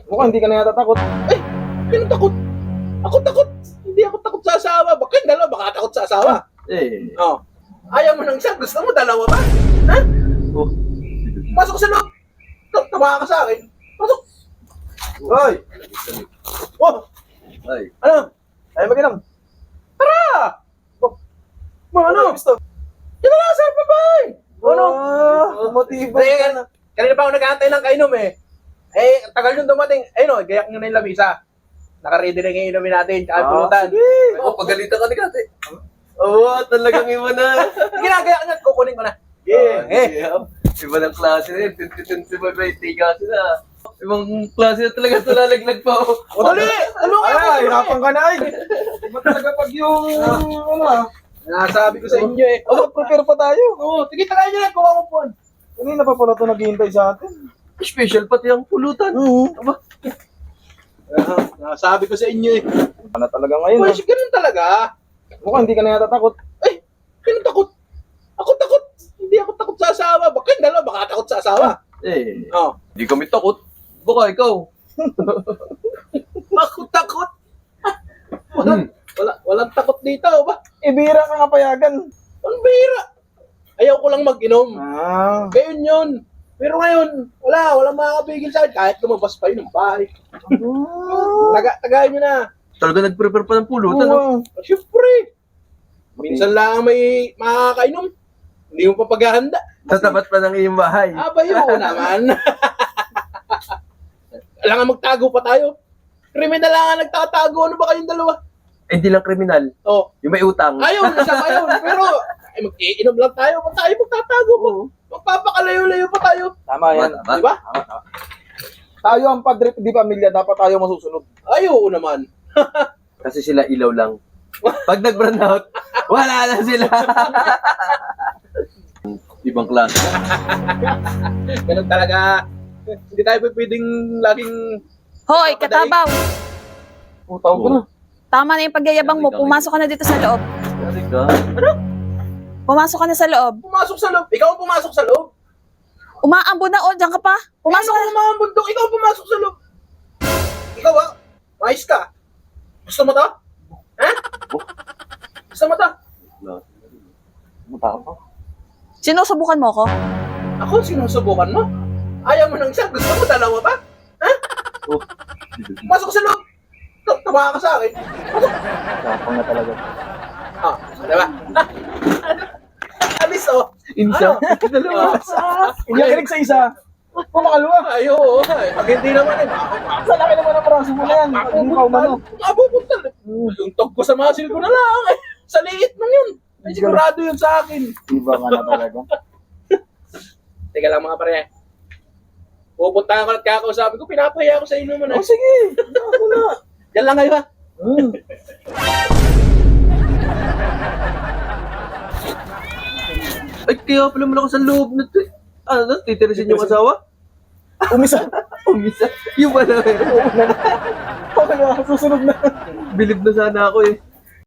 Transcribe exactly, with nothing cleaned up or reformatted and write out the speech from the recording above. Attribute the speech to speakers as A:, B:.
A: Mukhang hindi ka na yata takot.
B: Ay, sino takot? Ako takot. Hindi ako takot sa asawa. Baka yung dalawa, baka takot sa asawa.
C: Eh.
B: Oh. Ayaw mo ng isa, gusto mo dalawa ba? Ha?
C: Oh.
B: Pasok sa loob. Ta- Tawa ka sa akin. Pasok.
A: Hoy!
B: Oh,
C: Ay.
B: ano?
A: Ay, mag-inom.
B: Tara!
A: Oh,
B: Mga ano?
A: gusto?
B: Dito na, sa babay!
A: Ano? Ah, motibo
B: Kasi,
A: ka na.
B: kanina pa ako nag-aantay ng kainom eh. Eh, ang tagal yung dumating. Ayun o, gayak nyo na yung lamisa. Naka-ready na yung inumin natin, tsaka
A: Ah,
B: pulutan.
C: Oh, pagalitan ka ni Kate. Oo, talagang iba na.
B: Sige na, gayak nyo, kukunin ko na.
C: Yeah.
B: Eh,
C: Iba ng klase na yun. twenty-twenty-five ay tiga sila. Ibang klase na talaga ito lalaglag pa. Oh.
B: o dali! Tulungan
A: Ay,
B: ko!
A: hirapan ka na ay. Iba talaga pag yung, ano ah.
B: Nasabi ko sa inyo eh.
A: Oh, prepare pa tayo.
B: Oo, sige, tagay nyo na, kuha mo po.
A: Kanina pa pala ito naghihintay sa atin.
C: Special pati ang pulutan.
A: Oo.
C: Aba.
B: Nasabi ko sa inyo eh.
A: Ano talaga ngayon?
B: Well,
A: ah.
B: ganun talaga.
A: Mukhang hindi ka na yata takot.
B: Ay, sino takot? Ako takot. Hindi ako takot sa asawa. Baka yung dalawa, baka takot sa asawa.
C: Eh,
B: Oh.
C: hindi kami takot. Baka ikaw.
B: Ako takot. Walang, wala, walang takot dito. Ba?
A: Ibira ka nga payagan.
B: Ang bira. Ayaw ko lang mag-inom.
A: Ah.
B: Gayon yun. Pero ngayon, wala, walang makakapigil sa akin. Kahit lumabas pa yun ng bahay. Taga, tagayin nyo na.
C: Talaga nag-prepare pa ng pulutan. No?
A: Oo.
B: Siyempre. Minsan lang may makakainom. Hindi mo pa paghahanda.
C: Sa tapat pa ng iyong bahay.
B: Aba yun naman. Kailangan magtago pa tayo. Kriminal lang nga nagtatago. Ano ba kayong dalawa?
C: Eh, hindi lang kriminal.
B: Oh,
C: Yung may utang.
B: ayun, nasama yun. Pero, ay, mag-iinom lang tayo. Ba't tayo magtatago pa? Magpapakalayo-layo pa tayo.
A: Tama yan.
C: Tama.
B: Di ba?
A: Tama, tama. Tayo ang padre di pamilya, dapat tayo masusunod.
B: Ayaw naman.
C: Kasi sila ilaw lang. Pag nag-burn out, wala na sila. Ibang klase.
B: Ganun talaga. Hindi tayo pwedeng laging...
D: Hoy, katabaw!
A: Utaw ko na.
D: Tama na yung pagyayabang mo. Pumasok ka na dito sa loob.
C: Kasi ka.
D: Pumasok ka na sa loob.
B: Pumasok sa loob. Ikaw ang pumasok sa loob.
D: Umaambo na, oh, diyan ka pa.
B: Pumasok
D: Pumasok
B: ka
D: ka
B: ng mga bundok. Ikaw ang pumasok sa loob. Ikaw ah. Mais ka. Gusto mo to? Ha? Gusto mo to?
A: Utaw ko.
D: Sinusubukan mo ko?
B: Ako, sinusubukan mo? Ayaw mo ng isa. Gusto mo dalawa pa? Ha?
C: Oh.
B: Pasok sa loob. Ta- Tawa ka sa akin. Pasok.
A: Tapang na talaga.
B: Ah, diba? Ano? Alis oh.
C: Insa.
B: Dalawa.
A: Iyakinig sa isa. Pumakalawa.
B: Ay, oo. Ay, pag hindi naman eh, makakapag-
A: Sa laki naman ang braso mo na yan. Hindi ka umano.
B: Mapupuntal. Yung tog ko sa muscle ko na lang. Eh. Sa liit lang yun. Ay, sigurado yun sa akin.
A: Iba ka na talaga.
B: Teka lang mga pare. Pupuntahan ko at kakausapin ko. Pinapahiya ko sa inyo man.
A: Oh, sige. Ako na.
B: Yan lang kayo ha.
A: Hmm.
C: Ay, kaya pala malakas ang loob na ito. Ano, titirisin yung asawa?
A: Umisa.
C: Umisa. Yung pala.
A: Okay na. Susunod na.
C: Bilib na sana ako eh.